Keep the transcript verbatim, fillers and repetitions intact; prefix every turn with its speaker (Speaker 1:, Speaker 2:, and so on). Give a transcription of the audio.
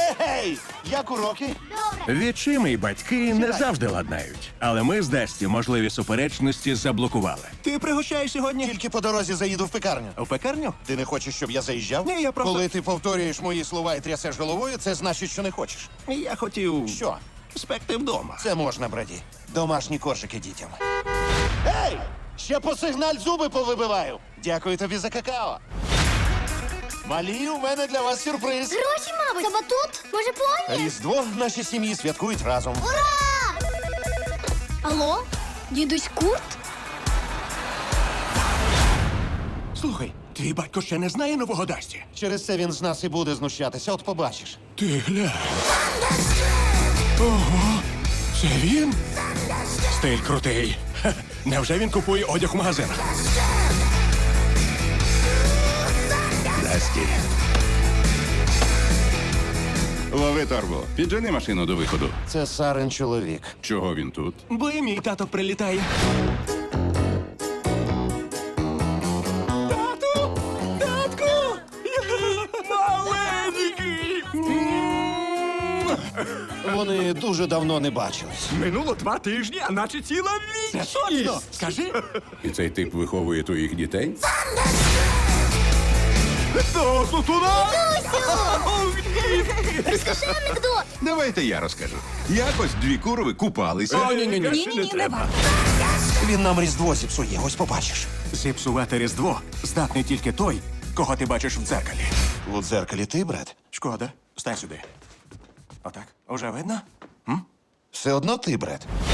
Speaker 1: Гей! Як уроки?
Speaker 2: Відчими й батьки не завжди ладнають. Але ми з Дасті можливі суперечності заблокували.
Speaker 3: Ти пригощаєш сьогодні?
Speaker 1: Тільки по дорозі заїду в пекарню.
Speaker 3: У пекарню?
Speaker 1: Ти не хочеш, щоб я заїжджав?
Speaker 3: Ні, я просто-
Speaker 1: Коли ти повторюєш мої слова і трясеш головою, це значить, що не хочеш.
Speaker 3: Я хотів
Speaker 1: Що?
Speaker 3: спекти вдома.
Speaker 1: Це можна, браді. Домашні коржики дітям. Ей! Ще по сигналь зуби повибиваю. Дякую тобі за какао. Малі, у мене для вас сюрприз.
Speaker 4: Гроші, мабуть. Це батут? Може, поні?
Speaker 1: Різдво наші сім'ї святкують разом.
Speaker 4: Ура! Алло? Дідусь Курт?
Speaker 3: Слухай, твій батько ще не знає нового Дасті?
Speaker 1: Через це він з нас і буде знущатися, от побачиш.
Speaker 3: Ти глянь. Ого, це він? Стиль крутий. Ха, невже він купує одяг в магазинах?
Speaker 5: Дасті. Лови торбу. Піджени машину до виходу.
Speaker 1: Це Сарин чоловік.
Speaker 5: Чого він тут?
Speaker 3: Бо і мій тато прилітає. Тату! Татку! Маленький!
Speaker 1: Вони дуже давно не бачились.
Speaker 3: Минуло два тижні, а наче ціла вічність. Це точно! Скажи.
Speaker 5: І цей тип виховує твоїх дітей?
Speaker 3: Тату, туди!
Speaker 4: Розкажи анекдот.
Speaker 5: Давайте я розкажу. Якось дві курови купалися.
Speaker 3: О, ні-ні-ні.
Speaker 4: Ні-ні-ні, не варто.
Speaker 1: Він нам Різдво зіпсує, ось побачиш.
Speaker 3: Зіпсувати Різдво здатний тільки той, кого ти бачиш в дзеркалі.
Speaker 1: У дзеркалі ти, брат?
Speaker 3: Шкода. Стань сюди. Отак. Уже видно?
Speaker 1: Все одно ти, брат.